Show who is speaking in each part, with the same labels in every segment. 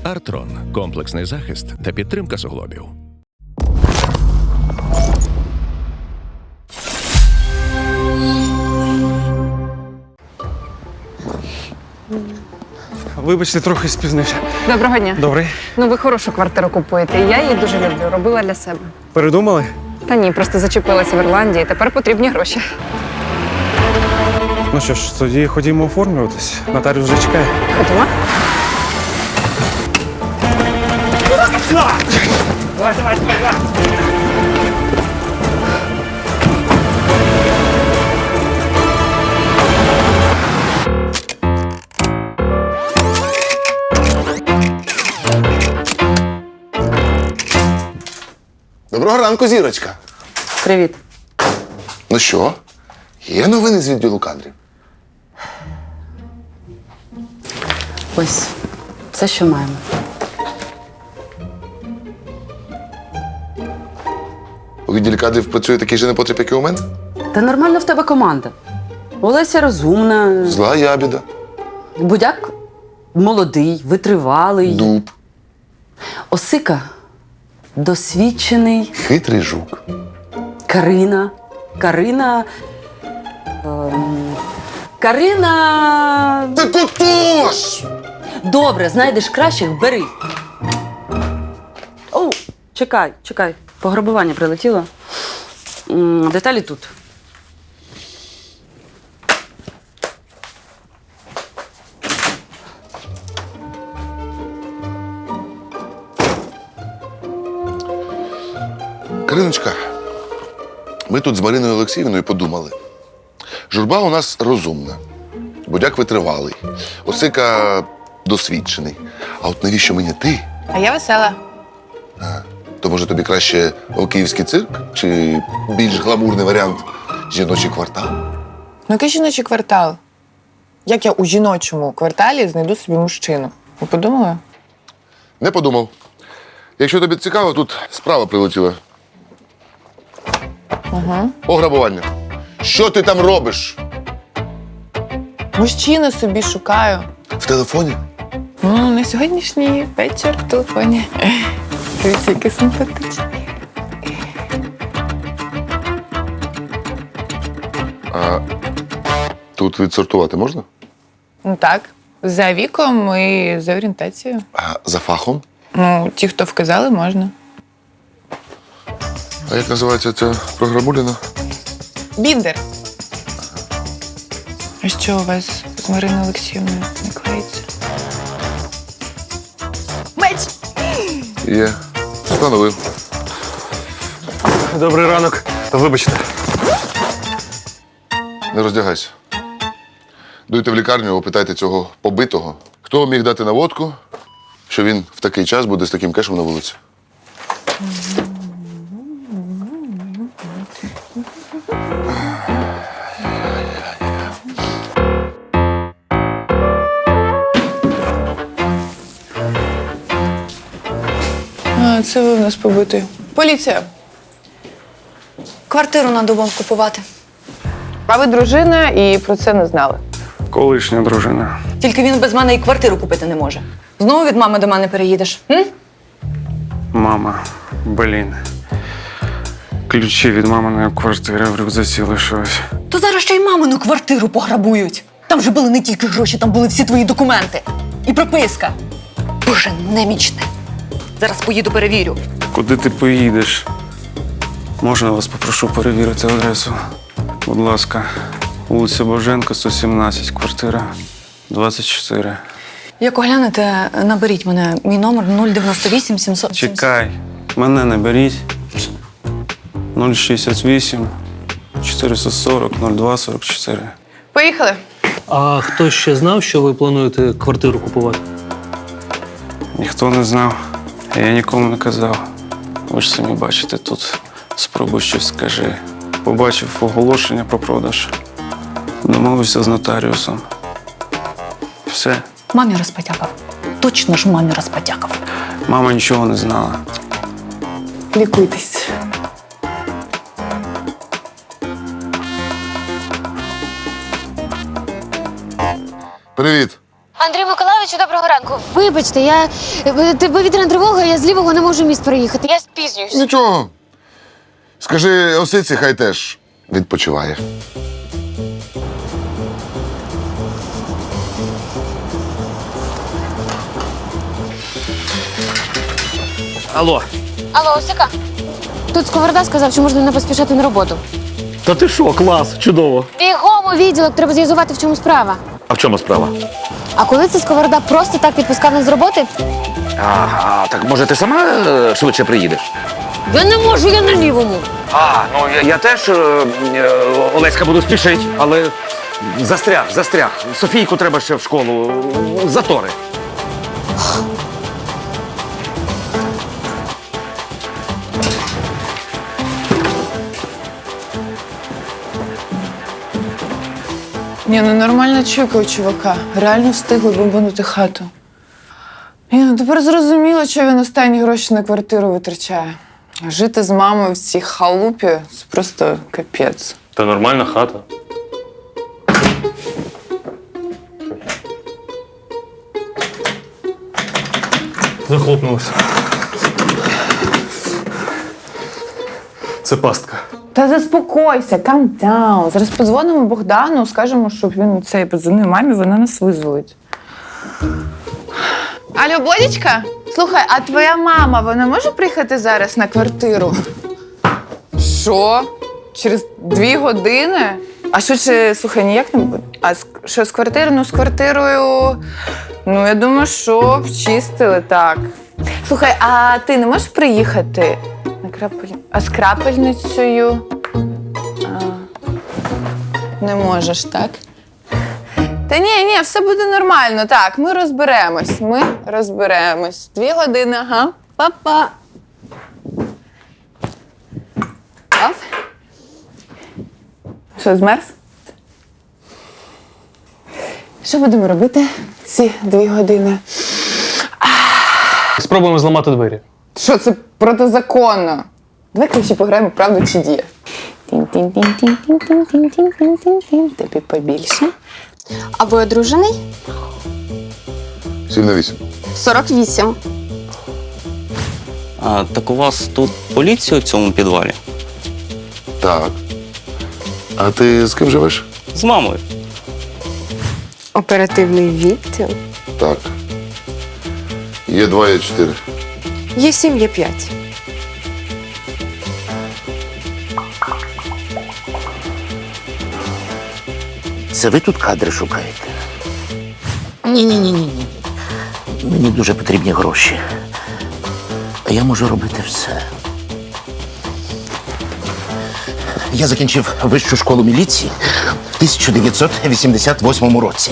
Speaker 1: Артрон – комплексний захист та підтримка суглобів.
Speaker 2: Вибачте, трохи спізнився.
Speaker 3: Доброго дня.
Speaker 2: Добрий.
Speaker 3: Ну, ви хорошу квартиру купуєте, і я її дуже люблю. Робила для себе.
Speaker 2: Передумали?
Speaker 3: Та ні, просто зачепилася в Ірландії, тепер потрібні гроші.
Speaker 2: Ну що ж, тоді ходімо оформлюватись. Нотаріус вже чекає.
Speaker 3: Ходімо.
Speaker 4: Доброго ранку, зірочка.
Speaker 3: Привіт.
Speaker 4: Ну що, є новини з відділу кадрів?
Speaker 5: Ось, все, що маємо.
Speaker 4: У відділі кадрів працює такий же непотріб, як і у мене?
Speaker 5: Та нормально в тебе команда. Олеся розумна,
Speaker 4: Зла ябіда,
Speaker 5: Будяк молодий, витривалий.
Speaker 4: дуб,
Speaker 5: Осика досвідчений.
Speaker 4: хитрий жук.
Speaker 5: Карина. Карина.
Speaker 4: Ти тотож!
Speaker 5: Добре, знайдеш кращих, бери. О, чекай. Пограбування прилетіло. Деталі тут.
Speaker 4: Кариночка, ми тут з Мариною Олексіївною подумали. Журба у нас розумна, Будяк витривалий, Осика досвідчений. А от навіщо мені ти?
Speaker 6: А я весела.
Speaker 4: То може тобі краще київський цирк чи більш гламурний варіант жіночий квартал?
Speaker 6: Ну, який жіночий квартал? Як я у жіночому кварталі знайду собі мужчину? Ви подумали?
Speaker 4: Не подумав. Якщо тобі цікаво, тут справа прилетіла. Пограбування. Що ти там робиш?
Speaker 6: Мужчину собі шукаю.
Speaker 4: В телефоні?
Speaker 6: На сьогоднішній вечір в телефоні. Дивіться, який симпатичний.
Speaker 4: А тут відсортувати можна?
Speaker 6: Ну так, за віком і за орієнтацією.
Speaker 4: А за фахом?
Speaker 6: Ну, ті, хто вказали, можна.
Speaker 4: А як називається ця програмуліна?
Speaker 6: Біндер. А що у вас з Мариною Олексіївною не клеїться? Меч!
Speaker 4: Є. Встановив.
Speaker 2: Добрий ранок. Вибачте.
Speaker 4: Не роздягайся. Дуйте в лікарню, опитайте цього побитого. Хто міг дати наводку, що він в такий час буде з таким кешем на вулиці?
Speaker 6: А, це ви в нас побитий. Поліція.
Speaker 7: Квартиру надо вам купувати.
Speaker 6: А ви дружина і про це не знали.
Speaker 2: Колишня дружина.
Speaker 7: Тільки він без мене і квартиру купити не може. Знову від мами до мене переїдеш? М?
Speaker 2: Мама, блін. Ключі від маминої квартири в рюкзаці лишились.
Speaker 7: То зараз ще й мамину квартиру пограбують. Там же були не тільки гроші, там були всі твої документи. І прописка. Боже, немічне. Зараз поїду перевірю.
Speaker 2: Куди ти поїдеш? Можна вас попрошу перевірити адресу? Будь ласка. Вулиця Боженка, 117, квартира 24.
Speaker 7: Як оглянете, наберіть мене. Мій номер 098 700.
Speaker 2: Чекай, мене не беріть. 068 440 02 44.
Speaker 6: Поїхали.
Speaker 8: А хто ще знав, що ви плануєте квартиру купувати?
Speaker 2: Ніхто не знав, я нікому не казав. Ви ж самі бачите, тут спробуй щось скажи. Побачив оголошення про продаж. Домовився з нотаріусом. Все.
Speaker 7: Мамі розпотякав. Точно ж мамі розпотякав.
Speaker 2: Мама нічого не знала.
Speaker 6: Лікуйтесь.
Speaker 4: Привіт.
Speaker 9: Андрій Миколайович Михайловичу, доброго ранку. Вибачте, повітряна тривога, я з лівого не можу міст проїхати. Я спізнююсь.
Speaker 4: Нічого. Скажи Осиці, хай теж відпочиває.
Speaker 8: Алло.
Speaker 9: Алло, Осика? Тут Сковорода сказав, що можна не поспішати на роботу.
Speaker 8: Та ти що, клас, чудово.
Speaker 9: Бігом у відділок, треба з'ясувати, в чому справа.
Speaker 8: А в чому справа?
Speaker 9: А коли це Сковорода просто так відпускав нас з роботи?
Speaker 10: Так може ти сама швидше приїдеш?
Speaker 9: Я не можу, я на лівому.
Speaker 10: Я теж, Олеська, буду спішити, але застряг. Софійку треба ще в школу. Затори.
Speaker 6: Ні, ну нормальна чуйка у чувака. Реально встигли бомбанути хату. Ні, ну тепер зрозуміло, що він останні гроші на квартиру витрачає. Жити з мамою в цій халупі – це просто капець.
Speaker 8: Та нормальна хата. Захлопнулося. Це пастка.
Speaker 6: Та заспокойся, calm down. Зараз подзвонимо Богдану, скажемо, щоб він цей подзвонив мамі, вона нас визволить. Алло, Бодічка? Слухай, а твоя мама, вона може приїхати зараз на квартиру? Що? Через 2 години? А швидше, слухай, ніяк не буде? А що з квартирою? Ну, з квартирою, ну, я думаю, що вчистили, так. Слухай, а ти не можеш приїхати? А з крапельницею? Не можеш, так? Та ні, все буде нормально. Так, ми розберемось. 2 години, ага. Па-па. Оп. Що, змерз? Що будемо робити ці 2 години?
Speaker 8: Спробуємо зламати двері.
Speaker 6: Що це протизаконно? Давай краще пограємо правду чи дія. Тін-тін-тін-тін-тін-тін-тін-тін-тін. Тобі побільше.
Speaker 9: А ви одружений?
Speaker 4: 7 на 8.
Speaker 9: 48.
Speaker 10: Так у вас тут поліція у цьому підвалі?
Speaker 4: Так. А ти з ким живеш?
Speaker 10: З мамою.
Speaker 9: Оперативний відділ?
Speaker 4: Так. Є 2, є 4.
Speaker 9: Є 7, є 5.
Speaker 11: Це ви тут кадри шукаєте? Ні. Мені дуже потрібні гроші. А я можу робити все. Я закінчив вищу школу міліції в 1988 році.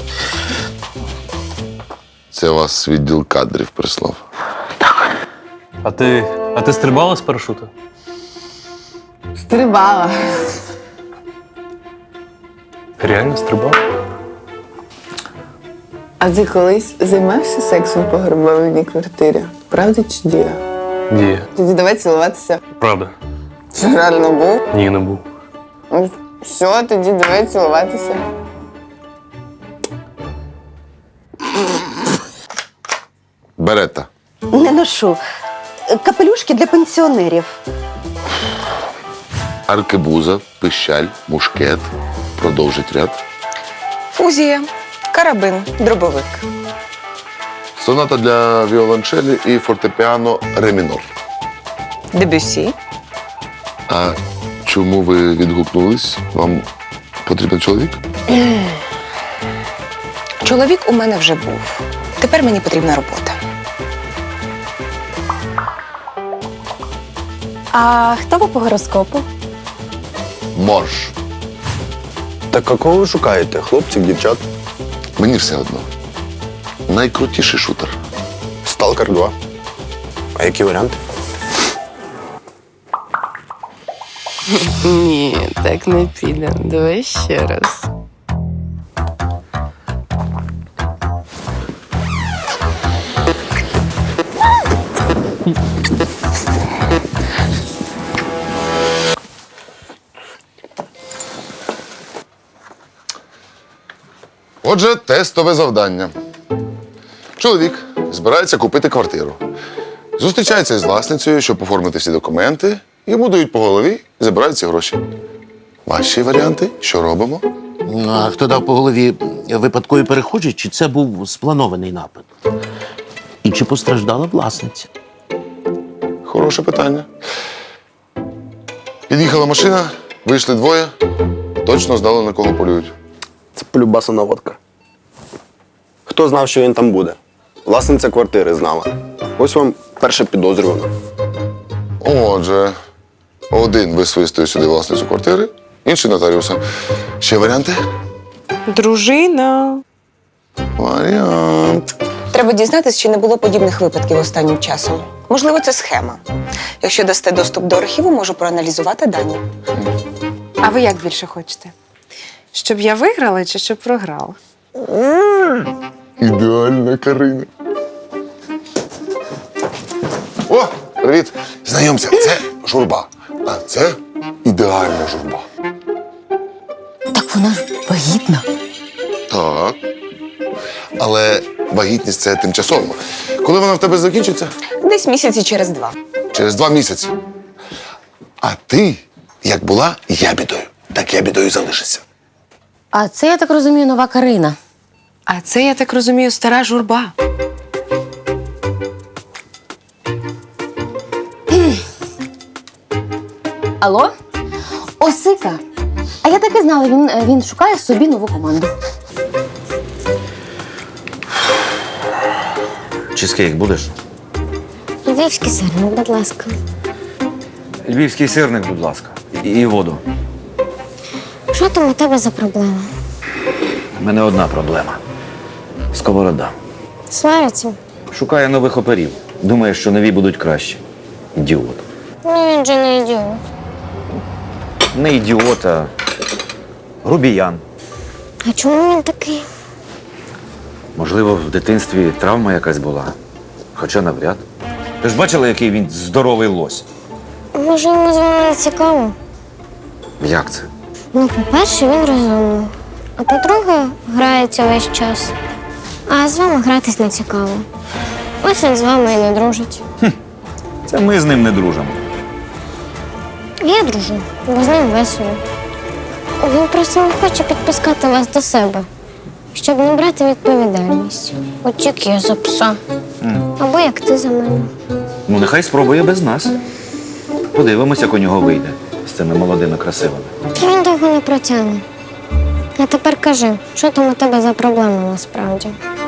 Speaker 4: Це вас відділ кадрів прислав.
Speaker 8: А ти стрибала з парашуту?
Speaker 6: Стрибала.
Speaker 8: Реально стрибала?
Speaker 6: А ти колись займався сексом по грабованій квартирі? Правда чи дія?
Speaker 8: Ні.
Speaker 6: Тоді давай цілуватися.
Speaker 8: Правда.
Speaker 6: Це реально був?
Speaker 8: Ні, не був.
Speaker 6: Ну, все, тоді давай цілуватися.
Speaker 4: Берета.
Speaker 12: Не ношу. Капелюшки для пенсіонерів.
Speaker 4: Аркебуза, пищаль, мушкет. Продовжить ряд.
Speaker 3: Фузія, карабин, дробовик.
Speaker 4: Соната для віолончелі і фортепіано ре мінор.
Speaker 3: Дебюсі.
Speaker 4: А чому ви відгукнулись? Вам потрібен чоловік?
Speaker 3: Чоловік у мене вже був. Тепер мені потрібна робота.
Speaker 9: А хто ви по гороскопу?
Speaker 4: Морж.
Speaker 13: Так кого ви шукаєте? Хлопців, дівчат?
Speaker 4: Мені все одно. Найкрутіший шутер.
Speaker 13: Сталкер 2. А які варіанти?
Speaker 5: Ні, так не піде. Давай ще раз.
Speaker 4: Отже, тестове завдання. Чоловік збирається купити квартиру. Зустрічається із власницею, щоб оформити всі документи. Йому дають по голові і забирають ці гроші. Ваші варіанти? Що робимо?
Speaker 11: Ну, а хто дав по голові випадкові перехожі, чи це був спланований напад? І чи постраждала власниця?
Speaker 4: Хороше питання. Під'їхала машина, вийшли двоє. Точно знали, на кого полюють.
Speaker 13: Це полюбаса наводка. Хто знав, що він там буде? Власниця квартири знала. Ось вам перша підозрювана.
Speaker 4: Отже, один висвистує сюди власницю квартири, інший нотаріуса. Ще варіанти?
Speaker 3: Дружина.
Speaker 4: Варіант.
Speaker 3: Треба дізнатися, чи не було подібних випадків останнім часом. Можливо, це схема. Якщо дасте доступ до архіву, можу проаналізувати дані.
Speaker 14: А ви як більше хочете? Щоб я виграла чи щоб програла?
Speaker 4: Ідеальна Карина. О, привіт! Знайомся, це журба. А це ідеальна журба.
Speaker 7: Так вона ж вагітна.
Speaker 4: Так. Але вагітність це тимчасово. Коли вона в тебе закінчиться?
Speaker 3: Десь місяці через 2.
Speaker 4: Через 2 місяці. А ти, як була ябідою, так ябідою залишишся.
Speaker 9: А це, я так розумію, нова Карина.
Speaker 14: А це, я так розумію, стара журба.
Speaker 9: Алло? Осика. А я так і знала, він шукає собі нову команду.
Speaker 10: Чизкейк будеш?
Speaker 9: Львівський сирник, будь ласка.
Speaker 10: Львівський сирник, будь ласка. І воду.
Speaker 9: Що там у тебе за проблема?
Speaker 10: У мене одна проблема. Сковорода.
Speaker 9: Сваряться?
Speaker 10: Шукає нових оперів. Думає, що нові будуть кращі. Ідіот.
Speaker 9: Ну він же не ідіот.
Speaker 10: Не ідіот, а грубіян.
Speaker 9: А чому він такий?
Speaker 10: Можливо, в дитинстві травма якась була. Хоча навряд. Ти ж бачила, який він здоровий лось?
Speaker 9: Може, йому з вами не цікаво?
Speaker 10: Як це?
Speaker 9: Ну, по-перше, він розумний. А по-друге, грається весь час. А з вами гратись не цікаво. Ось він з вами і не дружить.
Speaker 10: Це ми з ним не дружимо.
Speaker 9: Я дружу, бо з ним весело. Він просто не хоче підпускати вас до себе, щоб не брати відповідальність. От як я за пса. Або як ти за мене.
Speaker 10: Ну, нехай спробує без нас. Подивимося, як у нього вийде з цими молодими красивими.
Speaker 9: Та він довго не протягне. А тепер кажи, що там у тебе за проблема насправді?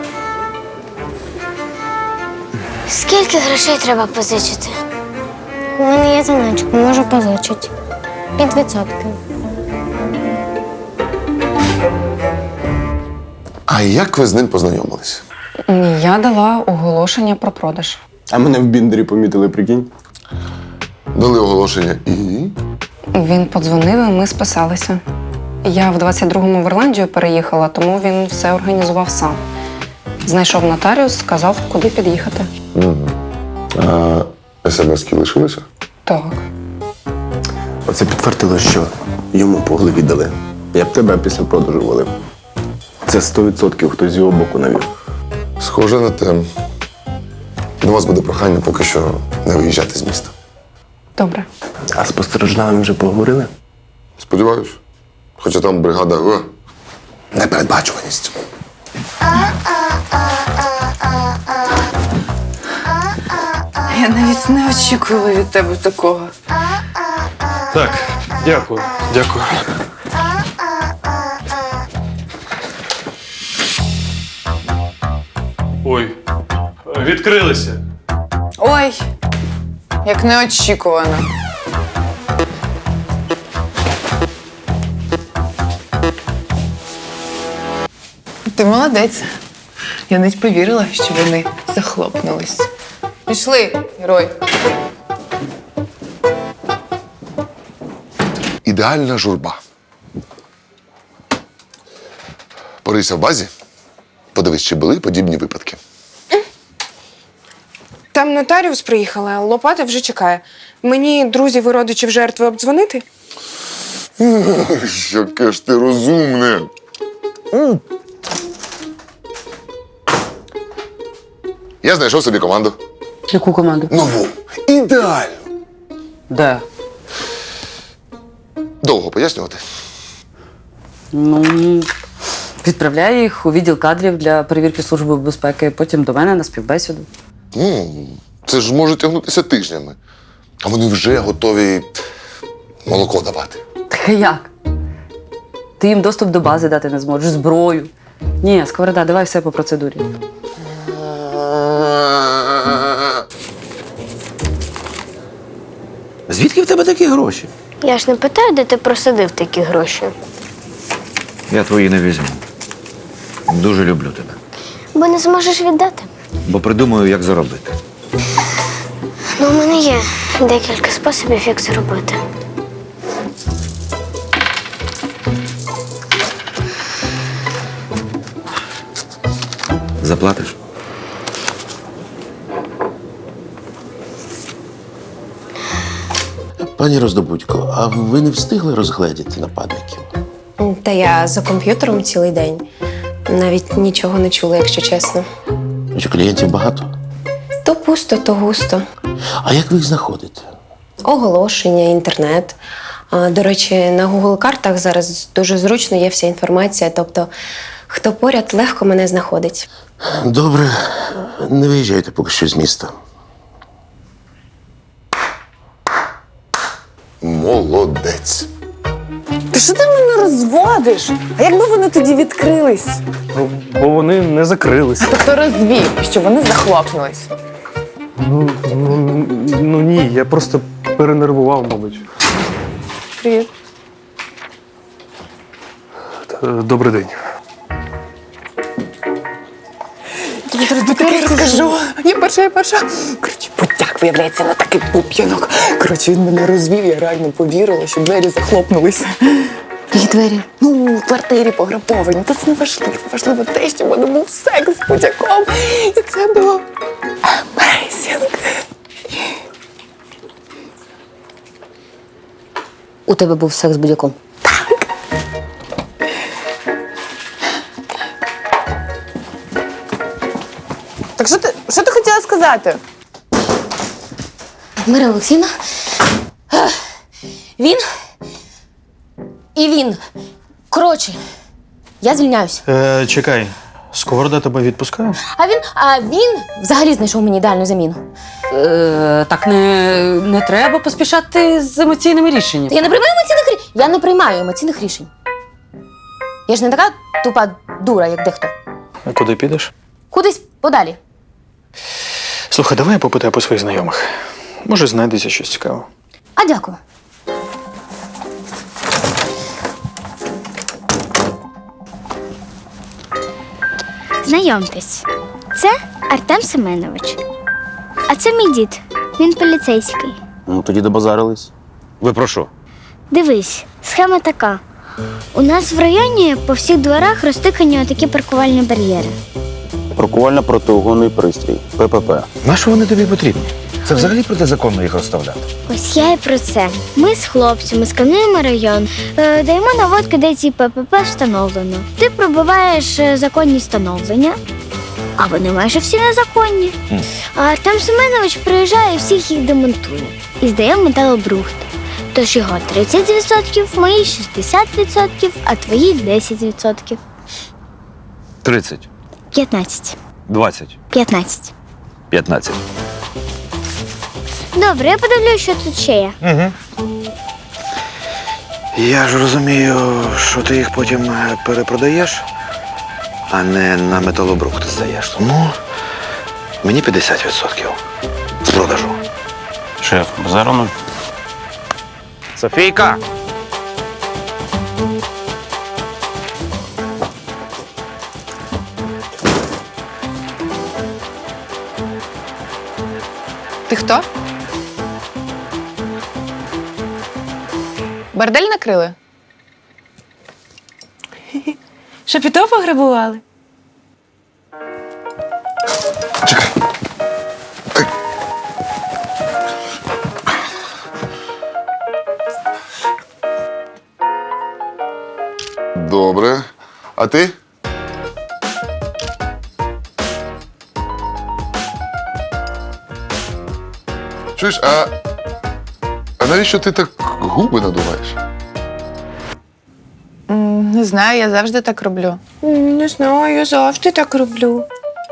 Speaker 9: Скільки грошей треба позичити? У мене є заначка, можу позичити. Під відсотки.
Speaker 4: А як ви з ним познайомились?
Speaker 3: Я дала оголошення про продаж.
Speaker 13: А мене в Біндері помітили, прикинь.
Speaker 4: Дали оголошення і.
Speaker 3: Він подзвонив, і ми списалися. Я в 22-му в Ірландію переїхала, тому він все організував сам. Знайшов нотаріус, сказав, куди під'їхати.
Speaker 4: А смс-ки лишилися?
Speaker 3: Так.
Speaker 13: Оце підтвердило, що йому по голові дали. Я б тебе після продажу валив. Це 100% хтось з його боку навів.
Speaker 4: Схоже на те. До вас буде прохання поки що не виїжджати з міста.
Speaker 3: Добре.
Speaker 13: А з постраждалим вже поговорили?
Speaker 4: Сподіваюсь. Хоча там бригада непередбачуваність.
Speaker 6: Я навіть не очікувала від тебе такого.
Speaker 2: Так, дякую. Дякую. Ой, відкрилися.
Speaker 6: Ой, як неочікувано. Ти молодець. Я навіть повірила, що вони захлопнулись. Пішли, герой.
Speaker 4: Ідеальна журба. Порийся в базі, подивись, чи були подібні випадки.
Speaker 14: Там нотаріус приїхала, а Лопата вже чекає. Мені друзів і родичів жертви обдзвонити?
Speaker 4: Яке ж ти розумне. Я знайшов собі команду.
Speaker 5: Яку команду?
Speaker 4: Нову. Ідеально.
Speaker 5: Де?
Speaker 4: Довго пояснювати.
Speaker 5: Ну, відправляю їх у відділ кадрів для перевірки Служби безпеки, потім до мене на співбесіду.
Speaker 4: Це ж може тягнутися тижнями. А вони вже готові молоко давати.
Speaker 5: Так а як? Ти їм доступ до бази дати не зможеш, зброю. Ні, Сковорода, давай все по процедурі.
Speaker 10: Звідки в тебе такі гроші?
Speaker 9: Я ж не питаю, де ти просадив такі гроші.
Speaker 10: Я твої не візьму. Дуже люблю тебе.
Speaker 9: Бо не зможеш віддати.
Speaker 10: Бо придумаю, як заробити.
Speaker 9: Ну, у мене є декілька способів, як це робити.
Speaker 10: Заплатиш?
Speaker 11: Пані Роздобудько, а ви не встигли розгледіти нападників?
Speaker 14: Та я за комп'ютером цілий день. Навіть нічого не чула, якщо чесно.
Speaker 11: Що клієнтів багато?
Speaker 14: То пусто, то густо.
Speaker 11: А як ви їх знаходите?
Speaker 14: Оголошення, інтернет. До речі, на Google картах зараз дуже зручно є вся інформація, тобто хто поряд, легко мене знаходить.
Speaker 11: Добре, не виїжджайте поки що з міста.
Speaker 4: Молодець.
Speaker 6: Та що ти мене розводиш? А якби вони тоді відкрились?
Speaker 2: Ну, бо вони не закрилися.
Speaker 6: Тобто розвів, що вони захлопнулись.
Speaker 2: Ну ні, я просто перенервував, мабуть.
Speaker 6: Привіт.
Speaker 2: Добрий день.
Speaker 6: Таке розкажу. Я перша. Коротше, будяк, виявляється, на такий пуп'янок. Коротше, він мене розвів, я реально повірила, що двері захлопнулися.
Speaker 14: Які двері?
Speaker 6: Ну, в квартирі пограбовані. Та це не важливо. Важливо те, що в мене був секс з будяком. І це було amazing.
Speaker 5: У тебе був секс з будь-яком?
Speaker 6: Так що ти хотіла сказати?
Speaker 9: Мира Олексійовна, він і він. Коротше, я звільняюсь.
Speaker 2: Чекай, Сковорода тебе відпускає?
Speaker 9: А він взагалі знайшов мені ідеальну заміну.
Speaker 5: Так не треба поспішати з емоційними рішеннями.
Speaker 9: Я не приймаю емоційних рішень. Я не приймаю емоційних рішень. Я ж не така тупа дура, як дехто.
Speaker 2: А куди підеш?
Speaker 9: Кудись подалі.
Speaker 2: Слухай, давай я попитаю по своїх знайомих. Може, знайдеться щось цікаве.
Speaker 9: А дякую. Знайомтесь, це Артем Семенович. А це мій дід. Він поліцейський.
Speaker 11: Ну, тоді добазарились.
Speaker 10: Ви про що?
Speaker 9: Дивись, схема така. У нас в районі по всіх дворах розтикані отакі паркувальні бар'єри.
Speaker 13: Паркувально-протиугонний пристрій. ППП.
Speaker 10: Нащо вони тобі потрібні? Це взагалі протизаконно їх розставляти.
Speaker 9: Ось я і про це. Ми з хлопцями скануємо район, даємо наводки, де ці ППП встановлено. Ти пробиваєш законні встановлення, а вони майже всі незаконні. А Артем Семенович приїжджає і всіх їх демонтує. І здає в металобрухт. Тож його 30%, мої 60%, а твої 10%.
Speaker 10: 30,
Speaker 9: 15.
Speaker 10: 20,
Speaker 9: 15.
Speaker 10: 15.
Speaker 9: Добре, я подивлюсь, що тут ще є.
Speaker 10: Я ж розумію, що ти їх потім перепродаєш, а не на металобрухт здаєш. Тому мені 50% з продажу.
Speaker 13: Шеф, базару нуль.
Speaker 10: Софійка!
Speaker 6: Ти хто? Бордель накрили?
Speaker 14: Шапіто пограбували?
Speaker 4: Чекай. Добре. А ти? Чуєш, а навіщо ти так губи надуваєш?
Speaker 6: Не знаю, я завжди так роблю. Не знаю, я завжди так роблю.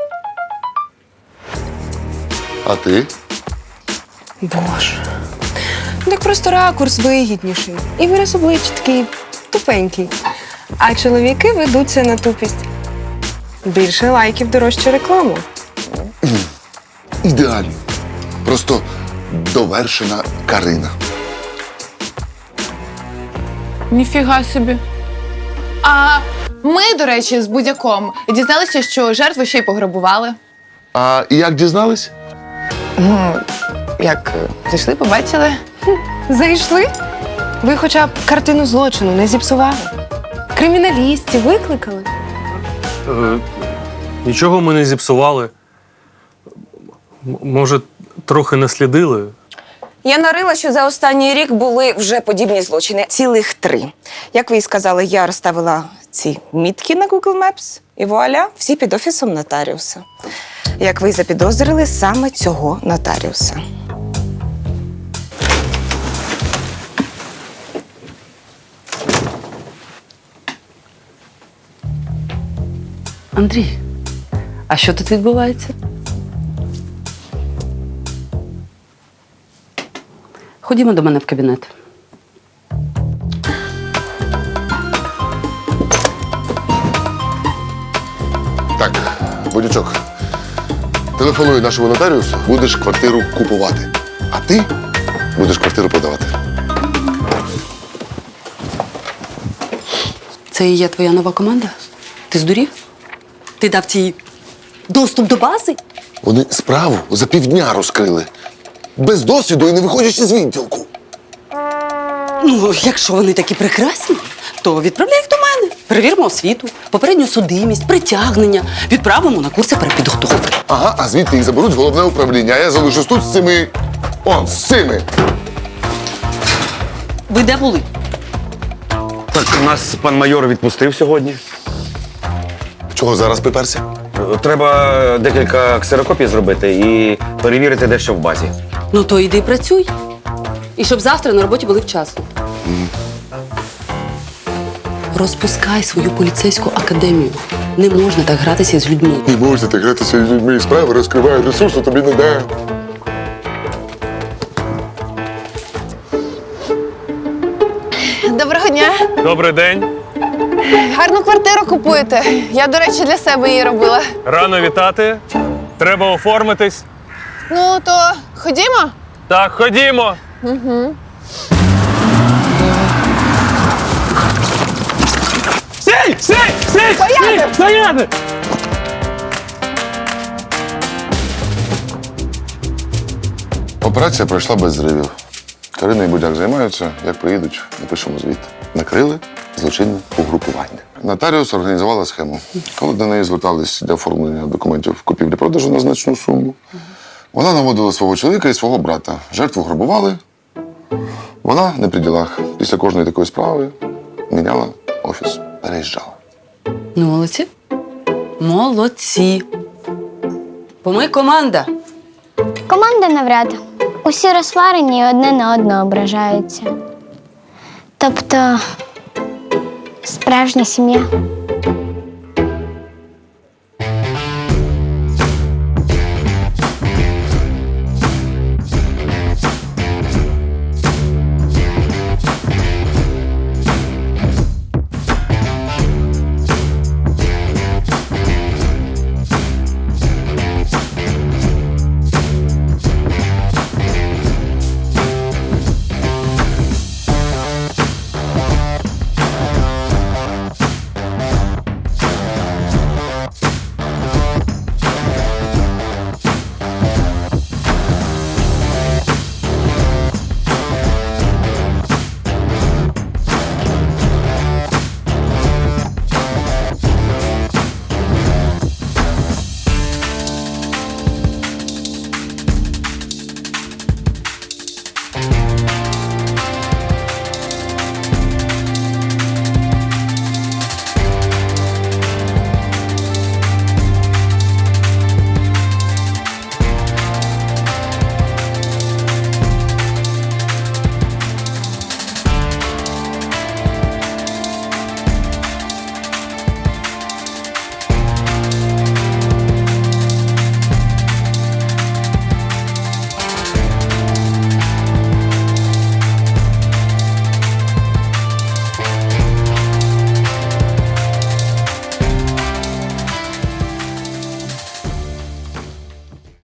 Speaker 4: А ти?
Speaker 3: Боже. Так просто ракурс вигідніший. І вираз обличчя такий тупенький. А чоловіки ведуться на тупість. Більше лайків, дорожче рекламу.
Speaker 4: Ідеально. Просто довершена Карина.
Speaker 6: Ніфіга собі. А ми, до речі, з будь-яком дізналися, що жертву ще й пограбували.
Speaker 4: А як дізнались?
Speaker 6: Як зайшли, побачили.
Speaker 3: Зайшли? Ви хоча б картину злочину не зіпсували. Криміналістів викликали.
Speaker 8: Нічого ми не зіпсували. Може, трохи наслідили.
Speaker 15: Я нарила, що за останній рік були вже подібні злочини. Цілих 3. Як ви і сказали, я розставила ці мітки на Google Maps, і вуаля, всі під офісом нотаріуса. Як ви й запідозрили, саме цього нотаріуса.
Speaker 5: Андрій, а що тут відбувається? Ходімо до мене в кабінет.
Speaker 4: Так, Бодючок, телефонуй нашому нотаріусу, будеш квартиру купувати. А ти будеш квартиру продавати.
Speaker 5: Це і є твоя нова команда? Ти здурів? Ти дав цій доступ до бази?
Speaker 4: Вони справу за півдня розкрили. Без досвіду і не виходячи з відділку.
Speaker 5: Ну, якщо вони такі прекрасні, то відправляй їх до мене. Перевіримо освіту, попередню судимість, притягнення, відправимо на курси перепідготовки.
Speaker 4: Ага, а звідти їх заберуть в головне управління, а я залишусь тут з цими. Он, з цими.
Speaker 5: Ви де були?
Speaker 10: Так, нас пан майор відпустив сьогодні.
Speaker 4: Чого зараз приперся?
Speaker 10: Треба декілька ксерокопій зробити і перевірити дещо в базі.
Speaker 5: Ну то йди працюй. І щоб завтра на роботі були вчасно. Розпускай свою поліцейську академію. Не можна так гратися з людьми.
Speaker 4: Не можна так гратися з людьми, справи розкривають, ресурсу тобі не дає.
Speaker 6: Доброго дня.
Speaker 8: Добрий день.
Speaker 6: Гарну квартиру купуєте. Я, до речі, для себе її робила.
Speaker 8: Рано вітати. Треба оформитись.
Speaker 6: Ну, то ходімо?
Speaker 8: Так, ходімо. Стій! Стій! Стій!
Speaker 6: Стояти!
Speaker 8: Стояти!
Speaker 4: Операція пройшла без зривів. Карина і Будяк займаються. Як приїдуть, напишемо звіт. Накрили злочинне угрупування. Нотаріус організувала схему. Коли до неї звертались для оформлення документів купівлі-продажу на значну суму, вона наводила свого чоловіка і свого брата. Жертву грабували. Вона не при ділах. Після кожної такої справи міняла офіс, переїжджала.
Speaker 5: Ну, молодці. Молодці. Бо ми команда.
Speaker 9: Команда навряд. Усі розсварені і одне на одного ображаються. Тобто справжня сім'я.